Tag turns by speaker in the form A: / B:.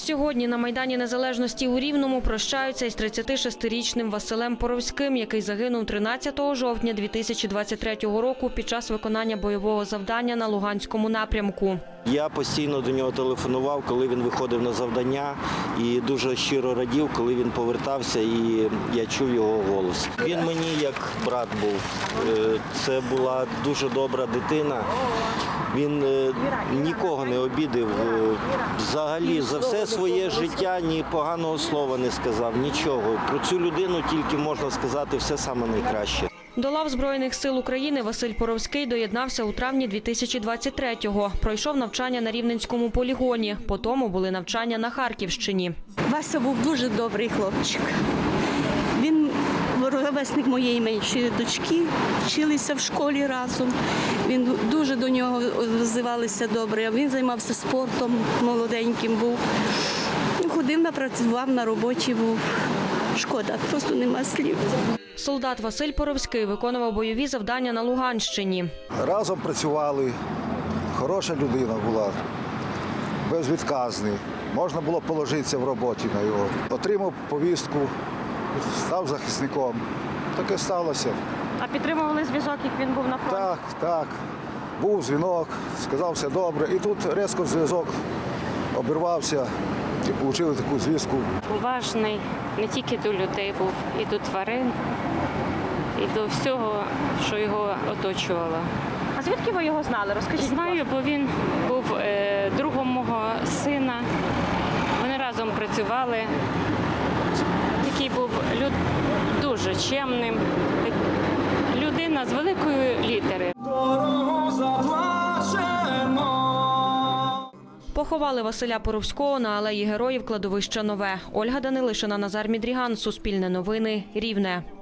A: Сьогодні на Майдані Незалежності у Рівному прощаються із 36-річним Василем Поровським, який загинув 13 жовтня 2023 року під час виконання бойового завдання на Луганському напрямку.
B: Я постійно до нього телефонував, коли він виходив на завдання, і дуже щиро радів, коли він повертався, і я чув його голос. Він мені як брат був. Це була дуже добра дитина. Він нікого не обідав. Взагалі за все своє життя ні поганого слова не сказав, нічого. Про цю людину тільки можна сказати все саме найкраще.
A: До лав Збройних сил України Василь Поровський доєднався у травні 2023-го. Пройшов навчання на Рівненському полігоні, потім були навчання на Харківщині.
C: Вася був дуже добрий хлопчик. Він ровесник моєї меншої дочки, вчилися в школі разом. Він дуже до нього взивалися добре. Він займався спортом, молоденьким був. Ходив, напрацював, на роботі був. Шкода, просто нема слів.
A: Солдат Василь Поровський виконував бойові завдання на Луганщині.
D: Разом працювали, хороша людина була, безвідказний. Можна було положитися в роботі на його. Отримав повістку, став захисником. Таке сталося.
A: А підтримували зв'язок, як він був на фронті?
D: Так. Був дзвінок, сказав все добре. І тут різко зв'язок обірвався і отримали таку звістку.
E: Уважний не тільки до людей був, і до тварин, і до всього, що його оточувало.
A: А звідки ви його знали? Розкажіть.
E: Знаю, бо він був другом мого сина. Вони разом працювали. Такий був дуже чемним. Людина з великої літери.
A: Поховали Василя Поровського на алеї Героїв кладовища Нове. Ольга Данилишина, Назар Мідріган, Суспільне новини, Рівне.